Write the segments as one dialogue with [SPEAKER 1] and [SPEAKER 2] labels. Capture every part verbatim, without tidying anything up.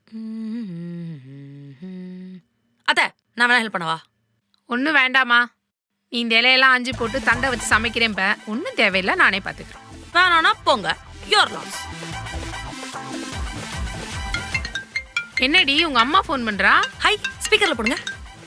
[SPEAKER 1] அத்த நான் வேணா ஹெல்ப் பண்ணவா?
[SPEAKER 2] ஒன்றும் வேண்டாமா, நீ இந்த இலையெல்லாம் ஆஞ்சி போட்டு தண்டை வச்சு சமைக்கிறேன். ஒன்றும் தேவையில்லை, நானே பார்த்துக்கிறேன்.
[SPEAKER 1] வேணானா போங்க, யோர் லாஸ்.
[SPEAKER 2] என்னடி உங்க அம்மா ஃபோன் பண்றா?
[SPEAKER 1] ஹை, ஸ்பீக்கர்ல போடுங்க.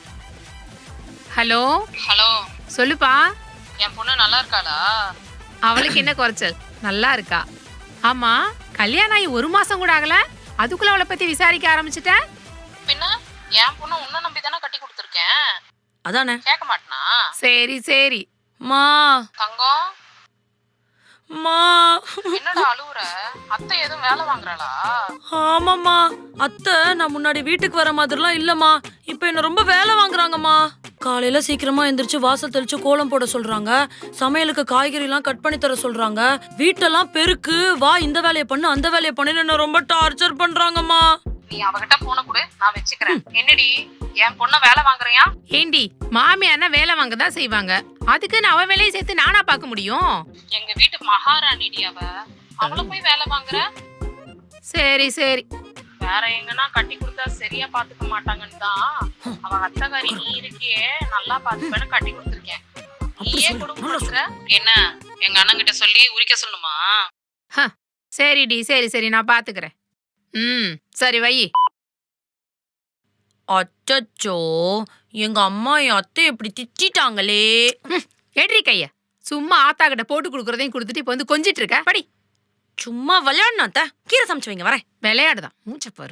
[SPEAKER 2] ஹலோ
[SPEAKER 3] ஹலோ,
[SPEAKER 2] சொல்லுப்பா.
[SPEAKER 3] என் பொண்ணு நல்லா இருக்காளா?
[SPEAKER 2] அவளுக்கு என்ன குறைச்சல், நல்லா இருக்கா. ஆமா, கல்யாணம் ஆகி ஒரு மாசம் கூட ஆகல, அதுக்குள்ள அவளை பத்தி விசாரிக்க ஆரம்பிச்சுட்ட?
[SPEAKER 3] பின்ன என் பொண்ணு உன்னை நம்பி தானே கட்டி கொடுத்துருக்கேன்.
[SPEAKER 1] அதானே,
[SPEAKER 3] கேட்க மாட்டனா?
[SPEAKER 2] சரி சரி.
[SPEAKER 1] மா
[SPEAKER 3] தங்கம்,
[SPEAKER 1] மா
[SPEAKER 3] என்னடா அழுவுற? அத்தை எதுவும் வேலை வாங்குறாளா?
[SPEAKER 1] ஆமாம்மா, அத்தை நான் முன்னாடி வீட்டுக்கு வர மாதிரிலாம் இல்லம்மா, இப்ப என்ன ரொம்ப வேலை வாங்குறாங்கம்மா. காலையில சீக்கிரமா எந்திரிச்சு வாசல் தெளிச்சு கோலம் போட சொல்றாங்க, சமையலுக்கு காய்கறி எல்லாம் கட் பண்ணி தர சொல்றாங்க, வீட்டெல்லாம் பெருக்கு, வா இந்த வேலையை பண்ணு அந்த வேலையை பண்ணு என்ன ரொம்ப டார்ச்சர் பண்றாங்கம்மா.
[SPEAKER 3] நீ அவகிட்ட போன கொடு, நான் வச்சுக்கிறேன். என்னடி என் பொண்ண வேலை வாங்குறியா?
[SPEAKER 2] ஏண்டி, மாமியார்னா வேலை வாங்க தான் செய்வாங்க, அதுக்குன்னு அவ வேலையை சேர்த்து நானா பார்க்க முடியும்?
[SPEAKER 3] எங்க வீட்டு மகாராணிடி அவ, அவளை போய் வேலை வாங்குற?
[SPEAKER 2] சரி சரி.
[SPEAKER 3] வேற எங்கன்னா கட்டி கொடுத்தா சரியா பாத்துக்க மாட்டாங்கன்னு தான் அவ அத்தகாரி நீ இருக்கியே நல்லா பாத்துப்பேன்னு கட்டி கொடுத்துருக்கேன். நீயே குடும்பம் என்ன எங்க அண்ணன் கிட்ட சொல்லி உரிக்க சொல்லுமா?
[SPEAKER 2] சரிடி, சரி சரி, நான் பாத்துக்கிறேன். ம் சரி வை.
[SPEAKER 1] அச்சச்சோ, எங்க அம்மா என் அத்தை எப்படி திட்டாங்களே.
[SPEAKER 2] எட்ரி கைய, சும்மா ஆத்தா கிட்ட போட்டு கொடுக்கறதையும் கொடுத்துட்டு இப்ப வந்து கொஞ்சிட்டு இருக்க. படி.
[SPEAKER 1] சும்மா விளையாடணும் அத்தை, கீரை சமைச்சு வைங்க, வரேன்.
[SPEAKER 2] விளையாடுதான், மூச்ச பாரு.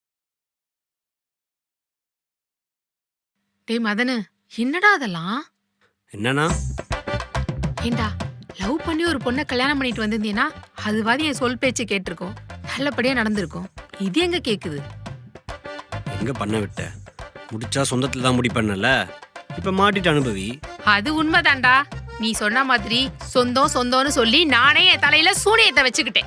[SPEAKER 2] டேய் மதனு, என்னடா அதெல்லாம்?
[SPEAKER 4] என்னன்னா?
[SPEAKER 2] ஏண்டா, லவ் பண்ணி ஒரு பொண்ணை கல்யாணம் பண்ணிட்டு வந்திருந்தீங்கன்னா அதுவாதி என் சொல் பேச்சு கேட்டிருக்கோம், நல்லபடியா நடந்திருக்கும். இது எங்க கேக்குது?
[SPEAKER 4] எங்க பண்ண விட்ட? முடிச்சா சொந்தத்துல தான் முடிப்பண்ணல, இப்ப மாட்டிட்டு அனுபவி.
[SPEAKER 2] அது உண்மைதான்டா, நீ சொன்ன மாதிரி சொந்தம் சொந்தம்னு சொல்லி நானே என் தலையில சூனியத்தை வச்சுக்கிட்டேன்.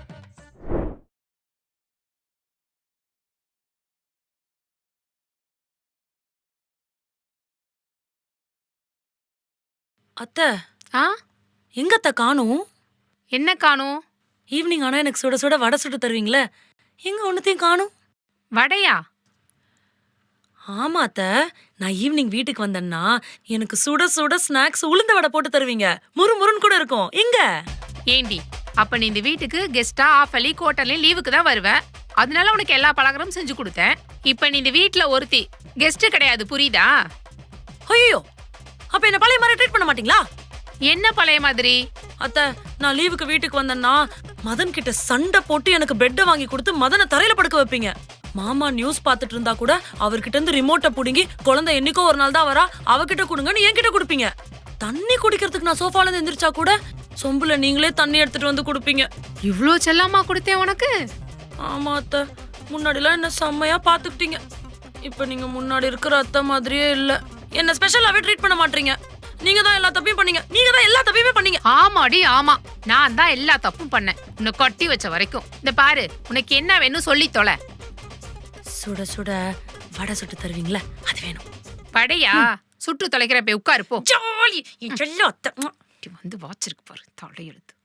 [SPEAKER 1] அத்தை,
[SPEAKER 2] ஆ
[SPEAKER 1] எங்க அத்தை காணும்?
[SPEAKER 2] என்ன காணும்?
[SPEAKER 1] ஈவினிங் ஆனா எனக்கு சுட சுட வடை சுட்டு தருவீங்களே, எங்க ஒன்னத்தையும் காணும்?
[SPEAKER 2] வடையா?
[SPEAKER 1] ஆமா அத்தை, நான் ஈவினிங் வீட்டுக்கு வந்தேன்னா எனக்கு சுட சுட ஸ்நாக்ஸ் உளுந்த வடை போட்டு தருவீங்க, முறு முருன்னு கூட இருக்கும். எங்க?
[SPEAKER 2] ஏண்டி, அப்ப நீ இந்த வீட்டுக்கு கெஸ்டா ஆஃபலி கோட்டர்லயும் லீவுக்கு தான் வருவ, அதனால உனக்கு எல்லா பலகாரமும் செஞ்சு கொடுத்தேன். இப்ப நீ இந்த வீட்டுல ஒருத்தி கெஸ்ட் கிடையாது, புரியுதா?
[SPEAKER 1] ஐயோ, அப்ப என்ன பழைய மாதிரி ட்ரீட் பண்ண மாட்டீங்களா?
[SPEAKER 2] என்ன பழைய மாதிரி?
[SPEAKER 1] அத்தை, நான் லீவுக்கு வீட்டுக்கு வந்தேன்னா மதன் கிட்ட சண்டை போட்டு எனக்கு பெட்டை வாங்கி கொடுத்து மதனை தரையில படுக்க வைப்பீங்க. மாமா நியூஸ் பாத்துட்டு இருந்தா கூட அவர்கிட்ட இருந்து ரிமோட்டை புடுங்கி குழந்தை என்னைக்கோ ஒரு நாள் தான் வரா, அவகிட்ட கொடுங்கன்னு என்கிட்ட கொடுப்பீங்க. தண்ணி குடிக்கிறதுக்கு நான் சோஃபால இருந்து எந்திரிச்சா கூட சொம்புல நீங்களே தண்ணி எடுத்துட்டு வந்து கொடுப்பீங்க.
[SPEAKER 2] இவ்ளோ செல்லமா கொடுத்தேன் உனக்கு?
[SPEAKER 1] ஆமா அத்தை, முன்னாடிலாம் என்ன செம்மையா பாத்துக்கிட்டீங்க, இப்ப நீங்க முன்னாடி இருக்கிற அத்தை மாதிரியே இல்ல. என்ன ஸ்பெஷலாவே ட்ரீட் பண்ண மாட்டீங்க. நீங்க தான் எல்லா தப்பையும் பண்ணீங்க, நீங்க தான் எல்லா தப்பையுமே பண்ணீங்க.
[SPEAKER 2] ஆமாடி ஆமா, நான் தான் எல்லா தப்பும் பண்ணேன், உன்னை கட்டி வச்ச வரைக்கும். இந்த பாரு, உனக்கு என்ன வேணும் சொல்லி தொலை.
[SPEAKER 1] சுட சுட வடை சுட்டு தருவீங்களா, அது வேணும்.
[SPEAKER 2] வடையா? சுட்டு தொலைக்கிற போய் உட்காரு போ.
[SPEAKER 1] ஜாலி, என் செல்ல அத்தை.
[SPEAKER 2] வந்து வாச்சிருக்கு பாரு தலையெழுத்து.